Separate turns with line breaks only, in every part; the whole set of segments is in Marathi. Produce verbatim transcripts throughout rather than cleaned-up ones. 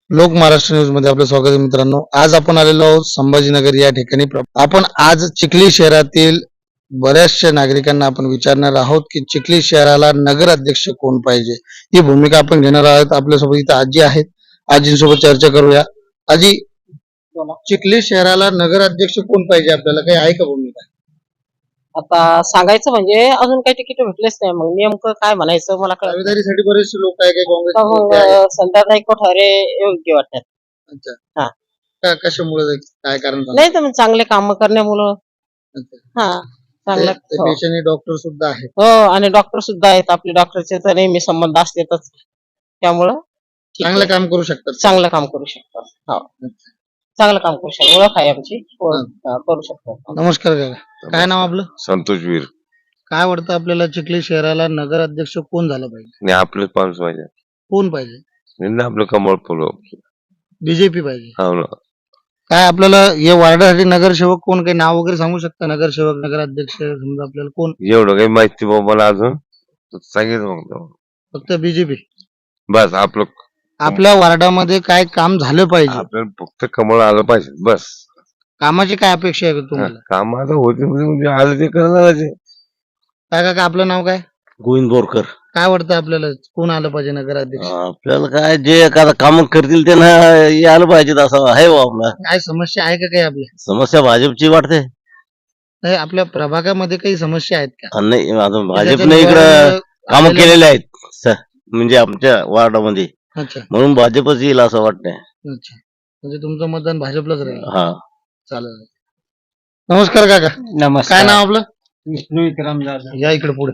लोक महाराष्ट्र न्यूज मध्ये आपलं स्वागत आहे मित्रांनो. आज आपण आलेलो आहोत संभाजीनगर या ठिकाणी. आपण आज चिखली शहरातील बऱ्याचशा नागरिकांना आपण विचारणार आहोत की चिखली शहराला नगर अध्यक्ष कोण पाहिजे, ही भूमिका आपण घेणार आहोत. आपल्यासोबत इथं आजी आहेत, आजींसोबत चर्चा करूया. आजी, चिखली शहराला नगर अध्यक्ष कोण पाहिजे, आपल्याला काही आहे का भूमिका?
आता सांगायचं म्हणजे अजून काही तिकीट भेटलेच नाही, मग नेमकं काय म्हणायचं मला कळत नाही.
दावेदारीसाठी बरेचसे लोक आहे, काही
तर
काँग्रेस.
मग संध्याकाळी कोठारे योग्य वाटतात.
अच्छा,
हा.
का- कशामुळे, काय कारण झालं?
नाही तर मग चांगले काम करण्यामुळं.
अच्छा.
हा चांगलं
ते- ते
हो.
पेशाने डॉक्टर सुद्धा आहेत.
हो, आणि डॉक्टर सुद्धा आहेत. आपले डॉक्टरचे तर नेहमी संबंध असतातच, त्यामुळं ठीक
चांगलं
आहे.
काम करू शकतात.
चांगलं काम करू शकतात. हो, चांगलं काम करू शकतो. ओळख आहे आमची, ओळख, हा, करू शकतो.
नमस्कार काका, काय नाव आपलं?
संतोष वीर.
काय वाटतं आपल्याला चिखली शहराला नगर अध्यक्ष कोण झालं पाहिजे?
नाही आपले पाच पाहिजे.
कोण पाहिजे?
नाही आपलं कमळ फुलं.
बीजेपी पाहिजे.
हो ना.
काय आपल्याला या वार्डासाठी नगरसेवक कोण, काही नाव वगैरे सांगू शकता? नगरसेवक, नगर अध्यक्ष समजा आपल्याला कोण?
एवढं काही माहिती बाबा मला अजून तर सांगितलं मग तेव्हा.
फक्त बीजेपी.
बस आपलं
आपल्या वार्डामध्ये काय काम झालं पाहिजे,
आपल्याला फक्त कमळ आलं पाहिजे बस.
कामाची काय अपेक्षा आहे तुम्हाला?
काम आता होते म्हणजे आलं ते करणार.
काय काका, आपलं नाव काय?
गोविंद बोरकर.
काय वाटतं आपल्याला कोण आलं पाहिजे नगर अध्यक्ष?
आपल्याला काय जे एखादा काम करतील त्यांना आलं पाहिजे असं आहे बा. आपला
काय समस्या आहे का काही आपल्या?
समस्या भाजपची वाटते.
नाही, आपल्या प्रभागामध्ये काही समस्या आहेत का?
आणि नाही आता भाजपने
त्याच्यात
इकडं
निवारण
काम
आलेलं-
केलेले आहेत स- म्हणजे आमच्या वार्डामध्ये,
अच्छा
म्हणून भाजपच येईल असं वाटतंय.
अच्छा, म्हणजे तुमचं मतदान भाजपलाच राहील.
हा.
चालेल. नमस्कार काका, काय
नमस्कार.
नाव आपलं?
विष्णू विक्रम जाधव.
या इकडे पुढे.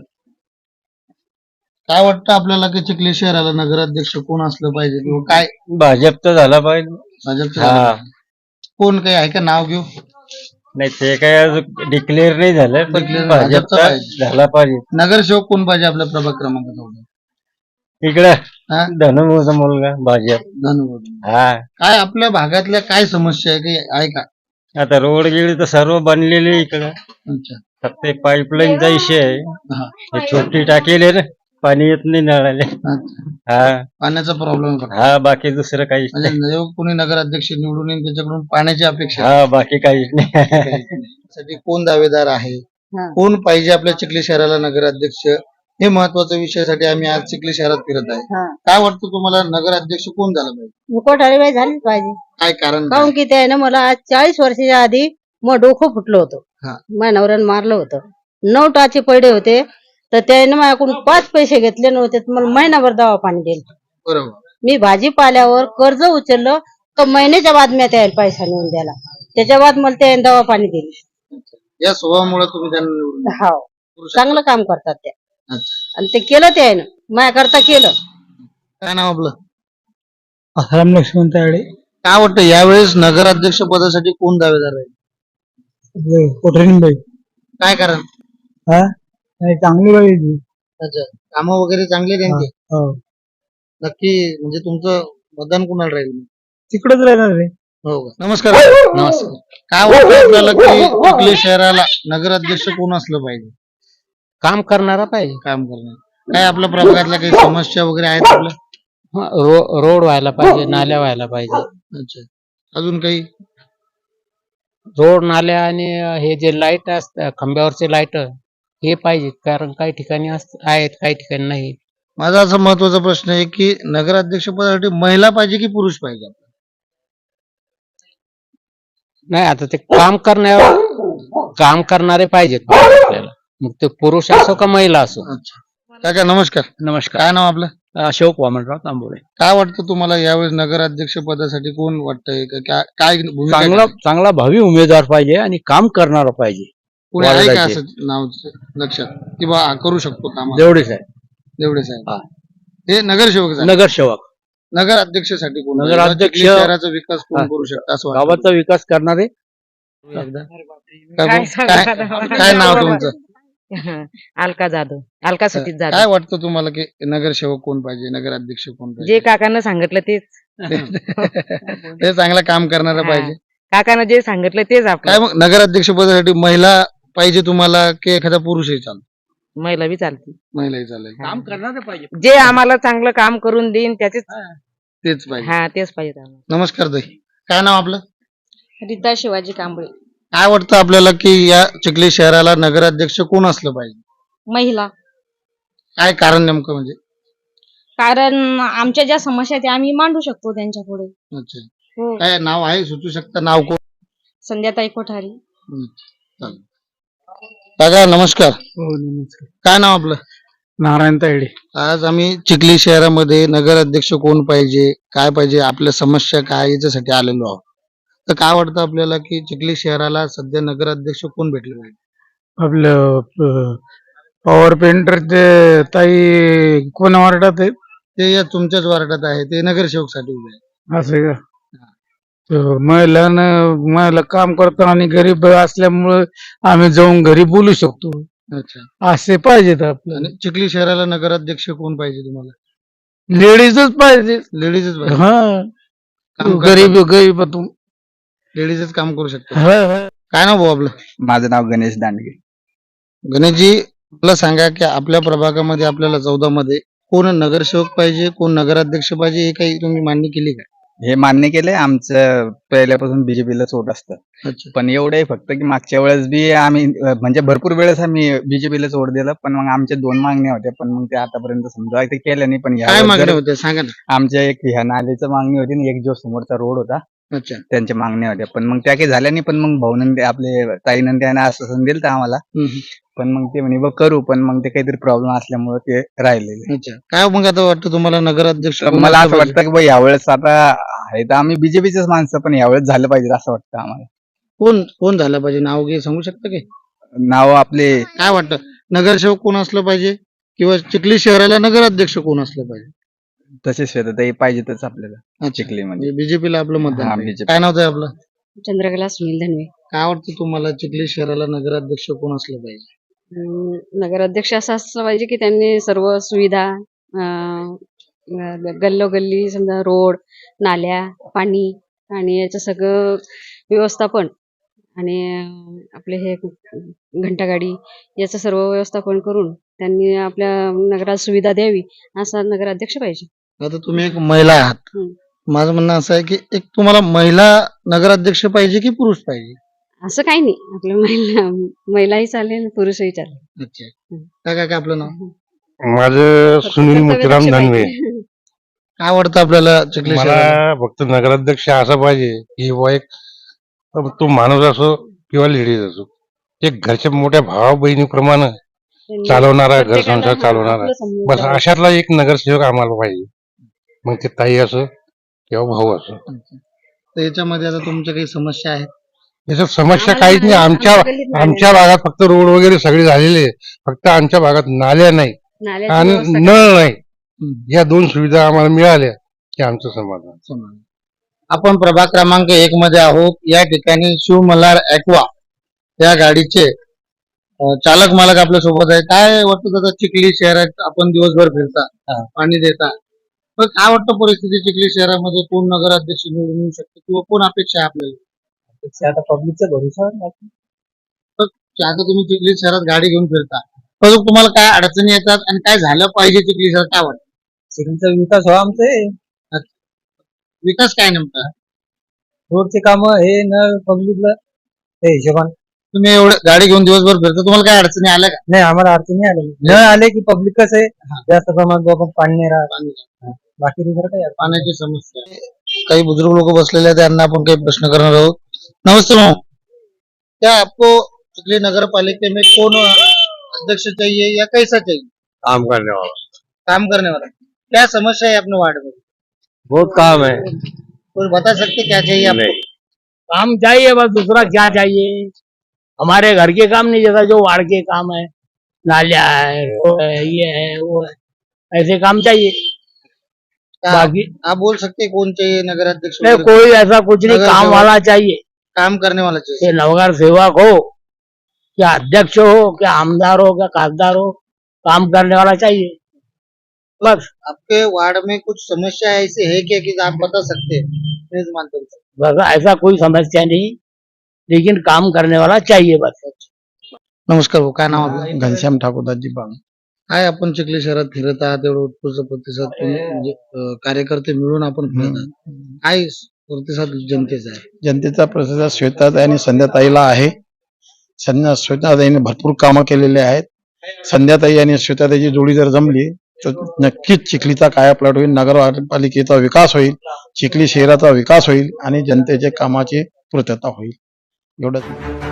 काय वाटतं आपल्याला की चिखली शहराला नगराध्यक्ष कोण असलं पाहिजे, किंवा काय
भाजपचा झाला पाहिजे.
भाजपचं
हा.
झालं पाहिजे? कोण काही आहे का नाव घेऊ?
नाही ते काय अजून डिक्लेअर नाही झालं, पण
Declare भाजपचा
भाजपचा
पाहिजे.
झाला पाहिजे.
नगरसेवक कोण पाहिजे आपल्या प्रभाग क्रमांकाचा?
इकडे
हा?
धनुभाऊचा मुलगा भाजप.
धन्यवाद.
हा,
काय आपल्या भागातल्या काय समस्या आहे, काही आहे का?
आता रोड गेली तर सर्व बनलेले इकडं,
अच्छा.
फक्त पाईपलाईनचा विषय आहे.
हा.
हे छोटी टाकेल आहे ना, पाणी येत नाही नळाले.
अच्छा.
हा
पाण्याचा प्रॉब्लेम फक्त.
हा, बाकी दुसरं काहीच
म्हणजे
नाही.
जो कोणी नगराध्यक्ष निवडून येईल त्याच्याकडून पाण्याची अपेक्षा
हा, बाकी काहीच नाही.
साठी कोण दावेदार आहे, कोण पाहिजे आपल्या चिखली शहराला नगराध्यक्ष, हे महत्वाच्या विषयासाठी आम्ही आज चिखली शहरात फिरत आहे. काय वाटतं तुम्हाला, नगराध्यक्ष कोण झालं पाहिजे?
कोठारी झालीच पाहिजे.
काय कारण
काहून की त्याने मला आज चाळीस वर्षाच्या आधी मग डोकं फुटलं होतं.
हा.
माझ्या नवऱ्यानं मारलं होतं. नऊ टाचे पडे होते, तर त्याने माझ्याकडून पाच पैसे घेतले नव्हते, तर मला महिनाभर दवा पाणी दिलं.
बरोबर.
मी भाजीपाल्यावर कर्ज उचललं तर महिन्याच्या बाद मी त्याला पैसा नेऊन द्याला. त्याच्या बाद मला त्याने दवा पाणी दिली.
या स्वभावामुळे तुम्ही त्यांना निवडून दिलं.
हो, चांगलं काम करतात त्या,
अच्छा.
आणि ते केलं त्यानं माझ्या करता केलं.
काय नाव आपलं?
आसाराम लक्ष्मण तायडे.
काय वाटतं यावेळेस नगराध्यक्ष पदासाठी कोण दावेदार आहे?
कोठरीबाई.
काय कारण?
हा, चांगली बाई.
अच्छा, कामं वगैरे चांगले त्यांचे. नक्की, म्हणजे तुमचं मतदान कुणाला राहील?
तिकडच राहणार रे.
हो का? नमस्कार. नमस्कार. काय वाटतं आपल्याला की चिखली शहराला नगराध्यक्ष कोण असलं पाहिजे?
काम करणारा पाहिजे.
काम करणार. काय आपल्या प्रभागातल्या काही समस्या वगैरे आहेत आपल्या?
रो, रोड व्हायला पाहिजे, नाल्या व्हायला पाहिजे.
अच्छा, अजून काही?
रोड, नाल्या आणि हे जे लाईट असतात खांब्यावरचे लाईट हे पाहिजेत, कारण काही ठिकाणी आहेत, काही ठिकाणी नाही.
माझा असा महत्वाचा प्रश्न आहे की नगराध्यक्ष पदासाठी महिला पाहिजे की पुरुष पाहिजे?
नाही, आता ते काम करण्यावर काम करणारे पाहिजेत आपल्याला, मग ते पुरुष असो का महिला असो.
अच्छा. काका नमस्कार.
नमस्कार.
काय नाव आपलं?
अशोक वामनराव तांबोळे.
काय वाटतं तुम्हाला यावेळेस नगराध्यक्ष पदासाठी कोण वाटतंय, का- काय काय भूमिका
चांगला
आहे?
चांगला भावी उमेदवार पाहिजे आणि काम करणारा पाहिजे.
कोणी आहे का
वाढवायचे.
असं नाव लक्षात, की बा हा करू शकतो काम?
एवढेच आहे.
एवढे साहेब.
हा.
हे नगरसेवक झाले.
नगरसेवक,
नगराध्यक्षासाठी कोण?
नगराध्यक्ष-
चिखली शहराचा विकास कोण
हा.
करू शकतं असं वाटतं?
गावाचा विकास करणारे.
काय काय- काय नाव तुमचं?
अलका जाधव, अलका सतीश
काय
जाधव.
वाटतं तुम्हाला की नगरसेवक कोण पाहिजे, नगराध्यक्ष कोण
जे
पाहिजे?
काकानं सांगितलं तेच.
ते चांगलं काम करणारं
हा.
पाहिजे.
काकानं जे सांगितलं तेच
काय
आपलं.
मग नगराध्यक्ष पदासाठी महिला पाहिजे तुम्हाला, की एखादा पुरुषही चालतो?
महिला बी चालते.
महिलाही चालेल.
काम करणारे पाहिजे.
जे आम्हाला चांगलं काम करून देईन त्याचेच
तेच पाहिजे.
हा तेच पाहिजे आम्हाला.
नमस्कार ताई, काय नाव आपलं?
रीता शिवाजी कांबळे.
काय वाटतं आपल्याला की या चिखली शहराला नगराध्यक्ष कोण असलं पाहिजे?
महिला.
काय कारण नेमकं म्हणजे?
कारण आमच्या ज्या समस्या आहेत त्या आम्ही मांडू शकतो त्यांच्या पुढे.
अच्छा,
हो.
काय नाव आहे, सुचू शकतं नाव कोण?
संध्याताई कोठारी.
हम्म, चालेल. दादा नमस्कार,
हो नमस्कार.
काय नाव आपलं?
नारायण तायडे.
आज आम्ही चिखली शहरामध्ये नगराध्यक्ष कोण पाहिजे, काय पाहिजे, आपल्या समस्या काय याच्यासाठी आलेलो आहोत. तर काय वाटतं आपल्याला की चिखली शहराला सध्या नगराध्यक्ष कोण भेटले पाहिजे?
आपलं पॉवर पेंटरचे ताई कोण वार्डात आहेत
ते या तुमच्याच वार्डात आहे, ते नगरसेवकसाठी उभे आहे.
असे का? तर महिलांना महिला काम करतात आणि गरीब असल्यामुळे आम्ही जाऊन घरी बोलू शकतो.
अच्छा,
असे पाहिजेत आपल्याला.
आणि चिखली शहराला नगराध्यक्ष कोण पाहिजे तुम्हाला?
लेडीजच पाहिजे.
लेडीजच पाहिजे.
हा
काम
गरीब गरीबातून.
लेडीजच काम करू शकतो.
हा, हा.
काय नाव भाऊ आपलं?
माझं नाव गणेश दांडगे.
गणेशजी, मला सांगा की आपल्या प्रभागामध्ये आपल्याला चौदा मध्ये कोण नगरसेवक पाहिजे, कोण नगराध्यक्ष पाहिजे, हे काही तुम्ही मान्य केली का?
हे मान्य केलंय, आमचं पहिल्यापासून बीजेपीलाच वोट असतं.
अच्छा,
पण एवढं आहे फक्त की मागच्या वेळेस बी आम्ही अं, म्हणजे भरपूर वेळेस आम्ही बीजेपीलाच वोट दिलं, पण मग आमच्या दोन मागण्या होत्या, पण मग ते आतापर्यंत समजा ते केल्या नाही. पण
काय
ह्या
मागण्या होत्या सांगा ना.
आमच्या एक ह्या नालीचं मागणी होती आणि एक जो समोरचा रोड होता
अच्छा,
त्यांच्या मागण्या होत्या, पण मग त्या काही झाल्या नाही. पण मग भाऊनंदे आपले ताईनंदे यांना आश्वासन दिलं होतं आम्हाला,
हम्म.
पण मग ते म्हणे बघ करू, पण मग ते काहीतरी प्रॉब्लेम असल्यामुळे ते राहिलेले.
अच्छा, काय मग आता वाटतं तुम्हाला नगराध्यक्ष
तर
कोण
मला
असलं
असं
पाहिजे?
वाटतं की बा यावेळेस आता आहे तर आम्ही बीजेपीचेच माणसं, पण यावेळेस झालं पाहिजे असं वाटतं आम्हाला.
कोण कोण झालं पाहिजे, नाव घे सांगू शकता की?
नाव आपले
काय वाटतं नगरसेवक कोण असलं पाहिजे, किंवा चिखली शहराला नगराध्यक्ष कोण असलं पाहिजे?
तसे श्वेताताई पाहिजेतच आपल्याला चिखलीमध्ये.
बीजेपीला आपलं
हा,
मतदान पाहिजे.
B J P.
काय नाव आहे आपलं?
चंद्रकला सुनील धनवे.
काय वाटतं तुम्हाला चिखली शहराला नगराध्यक्ष कोण असलं पाहिजे?
अं, नगराध्यक्ष असं असलं पाहिजे की त्यांनी सर्व सुविधा अं, ग- गल्लोगल्ली समजा रोड, नाल्या, पाणी आणि याचं सगळं व्यवस्थापन आणि अं, आपले हे घंटागाडी याचं सर्व व्यवस्थापन करून त्यांनी आपल्या नगरात सुविधा द्यावी असा नगराध्यक्ष पाहिजे.
आता तुम्ही एक महिला आहात,
हम्म.
माझं म्हणणं असं आहे की एक तुम्हाला महिला नगराध्यक्ष पाहिजे की पुरुष पाहिजे?
असं काही नाही, आपल्या महिला महिलाही चालेल पुरुषही चालेल.
अच्छा, काय काय काय आपलं नाव?
माझं
फक्त
सुनील
कर्तव्यदक्ष
मुतीराम दानवे.
पाहिजे.
काय वाटतं आपल्याला चिखली शहराला?
मला फक्त नगराध्यक्ष असा पाहिजे की बुवा एक तो माणूस असो किंवा लेडीज असो, एक घरच्या मोठ्या भावा बहिणीप्रमाणे
त्यांनी
चालवणारा, घर
प्रत्येकाला
संसार
हा,
चालवणारा,
आपलं समजून
बस
घ्यावं.
अशातला एक नगरसेवक आम्हाला पाहिजे. मग ते ताई असो किंवा भाऊ असो.
तर याच्यामध्ये आता तुमच्या काही समस्या आहेत?
याच्यात समस्या
आम्हाला
काहीच नाही.
नाल्या-
आमच्या
आमच्या गल्लीत नाल्या
आमच्या भागात फक्त रोड वगैरे सगळे झालेले आहे. फक्त आमच्या भागात नाल्या नाही
नाल्याची
आणि
व्यवस्था
नळ नाही.
हम्म.
या दोन सुविधा आम्हाला मिळाल्या की आमचं समाधान.
समाधान. आपण प्रभाग क्रमांक एक मध्ये आहोत. या ठिकाणी शिव मल्हार ऍक्वा या गाडीचे अं, चालक मालक आपल्या सोबत आहे. काय वाटतं दादा, चिखली शहरात आपण दिवसभर फिरता, पाणी देता, पण काय वाटतं परिस्थिती चिखली शहरामध्ये कोण नगराध्यक्ष निवडून येऊ शकतो, किंवा कोण अपेक्षा आहे आपल्याला?
आता पब्लिकचा भरोसा
आता तुम्ही चिखली शहरात गाडी घेऊन फिरता, तर तुम्हाला काय अडचणी येतात आणि काय झालं पाहिजे चिखली शहरात, काय वाटतं?
सिटीचा विकास व्हावा आमचे
विकास काय नेमका?
रोडचे काम हे न पब्लिकला त्या हिशोबाने
तुम्ही एवढं गाडी घेऊन दिवसभर फिरता, तुम्हाला काय अडचणी आल्या का?
नाही आम्हाला अडचणी आले न आले की पब्लिक कसं आहे जास्त प्रमाणात आपण पाणी नाही राहत, बाकी दुसरं काही अडचण
पाण्याची समस्या आहे. काही बुजुर्ग लोक बसलेले आहेत, त्यांना आपण काही प्रश्न करणार आहोत. नमस्ते भाऊ, क्या आपको चिखली नगर पालिका में कौन अध्यक्ष चाहिए या कैसा चाहिए?
काम करने वाला.
काम करने वाला. क्या समस्या है अपने वार्ड में?
बहुत काम है.
कुछ बता सकते क्या चाहिए आपको?
काम चाहिए, बस दूसरा क्या चाहिए? हमारे घर के काम नहीं, जैसा जो वार्ड के काम है, नालिया है, रोड है, ये है वो है, ऐसे काम चाहिए.
क्या
बाकी
आप बोल सकते हैं कौन चाहिए नगराध्यक्ष
नहीं,
वगैरह?
कोई ऐसा कुछ नहीं,
नगर
काम
सेवक।
वाला चाहिए.
काम करने वाला चाहिए.
ये नगर सेवक हो, क्या अध्यक्ष हो, क्या आमदार हो, क्या खासदार हो, काम करने वाला चाहिए बस.
आपके वार्ड में कुछ समस्या ऐसी है क्या कि आप बता सकते हैं? प्लीज मानते हैं.
बस ऐसा कोई समस्या नहीं, लेकिन काम करने वाला चाहिए बस.
नमस्कार भाऊ, काय नाव आपलं?
घनश्याम ठाकूरदासजी बाग.
काय आपण चिखली शहरात फिरत आहात, एवढं उत्कृष्ट प्रतिसाद तुम्ही म्हणजे अं, कार्यकर्ते मिळून आपण फिरत आहात, काय प्रतिसाद जनतेचा आहे?
जनतेचा प्रतिसाद श्वेताताई आणि संध्याताईला आहे. संध्या श्वेताताईने भरपूर कामं केलेले आहेत. संध्याताई आणि श्वेताताईची जोडी जर जमली तर नक्कीच चिखलीचा कायापालट होईल, नगरपालिकेचा विकास होईल, चिखली शहराचा विकास होईल आणि जनतेच्या कामाची पूर्तता होईल. एवढंच.